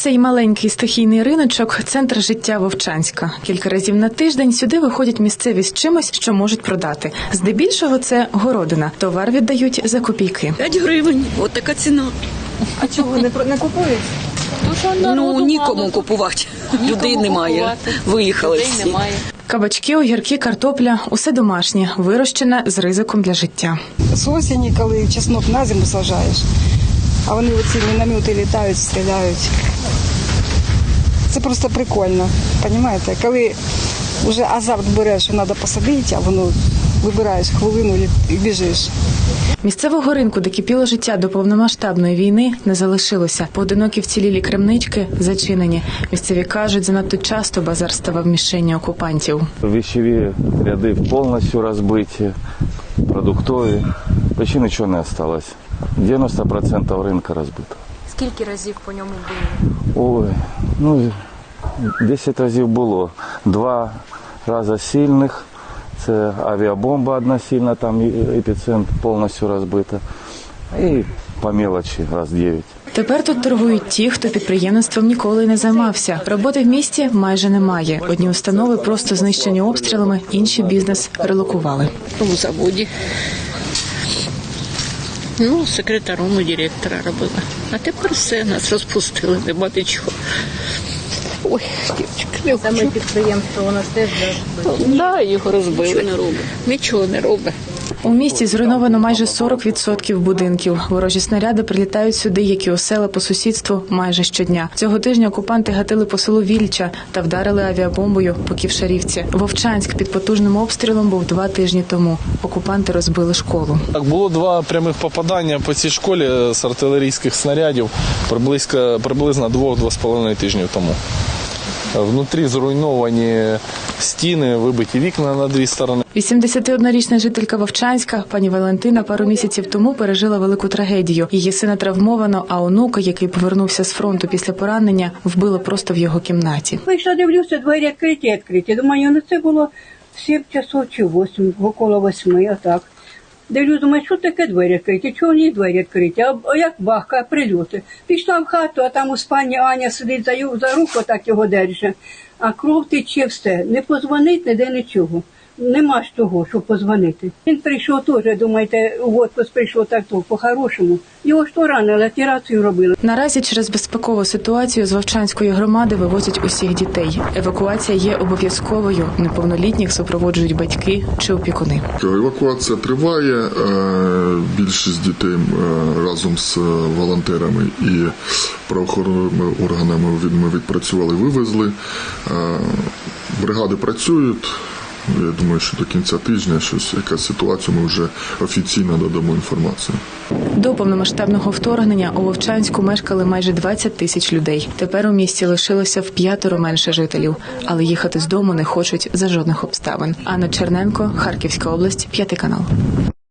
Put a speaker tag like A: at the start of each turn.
A: Цей маленький стихійний риночок – центр життя Вовчанська. Кілька разів на тиждень сюди виходять місцеві з чимось, що можуть продати. Здебільшого це городина. Товар віддають за копійки.
B: 5 гривень. От така ціна.
C: А чого не купують?
B: Нікому купувати. Людей немає. Виїхали всі.
A: Кабачки, огірки, картопля – усе домашнє, вирощене з ризиком для життя.
C: З осені, коли чеснок на зиму саджаєш, а вони оці міномети літають, стріляють. Це просто прикольно, розумієте? Коли вже азарт береш, що треба посадити, а воно вибираєш хвилину і біжиш.
A: Місцевого ринку, де кипіло життя до повномасштабної війни, не залишилося. Поодинокі вцілілі крамнички зачинені. Місцеві кажуть, занадто часто базар ставав мішенню окупантів.
D: Вещеві ряди повністю розбиті, продуктові. Почти нічого не залишилось. 90% ринку розбито.
E: Скільки разів по ньому били?
D: Ой, 10 разів було. 2 рази сильних. Це авіабомба одна сильна, там епіцентр повністю розбита. І по мелочі раз 9.
A: Тепер тут торгують ті, хто підприємництвом ніколи не займався. Роботи в місті майже немає. Одні установи просто знищені обстрілами, інші бізнес релокували.
B: У заводі. Секретаром і директора робила. А тепер все, нас розпустили, нема нічого. Ой, дівчинка, не хочу.
E: Саме підприємство у нас теж розбили?
B: Так, його розбили. Нічого не робить.
A: У місті зруйновано майже 40% будинків. Ворожі снаряди прилітають сюди, як і у села по сусідству, майже щодня. Цього тижня окупанти гатили по селу Вільча та вдарили авіабомбою по Ківшарівці. Вовчанськ під потужним обстрілом був 2 тижні тому. Окупанти розбили школу.
F: Так, було 2 прямих попадання по цій школі з артилерійських снарядів приблизно 2-2,5 тижнів тому. Внутрі зруйновані стіни, вибиті вікна на 2 сторони.
A: 81-річна жителька Вовчанська, пані Валентина, пару місяців тому пережила велику трагедію. Її сина травмовано, а онука, який повернувся з фронту після поранення, вбило просто в його кімнаті.
G: Вийшла, дивлюся, двері відкриті. Думаю, це було в 7 часов чи 8, около 8, отак. Дивлюсь, думаю, що таке двері відкриті, чого ні двері відкриті, а як бахка, прильоти. Пішла в хату, а там у спальні Аня сидить за руку, так його держить, а кров тече все. Не позвонить, ніде нічого. Нема ж того, щоб позвонити. Він прийшов теж, думаєте, в отпуск прийшов так по-хорошому. Його ж то ранили, операцію робили.
A: Наразі через безпекову ситуацію з Вовчанської громади вивозять усіх дітей. Евакуація є обов'язковою. Неповнолітніх супроводжують батьки чи опікуни.
H: Евакуація триває. Більшість дітей разом з волонтерами і правоохоронними органами ми відпрацювали, вивезли. Бригади працюють. Я думаю, що до кінця тижня якась ситуація, ми вже офіційно додамо інформацію.
A: До повномасштабного вторгнення у Вовчанську мешкали майже 20 тисяч людей. Тепер у місті лишилося в 5 менше жителів, але їхати з дому не хочуть за жодних обставин. Анна Черненко, Харківська область, 5 канал.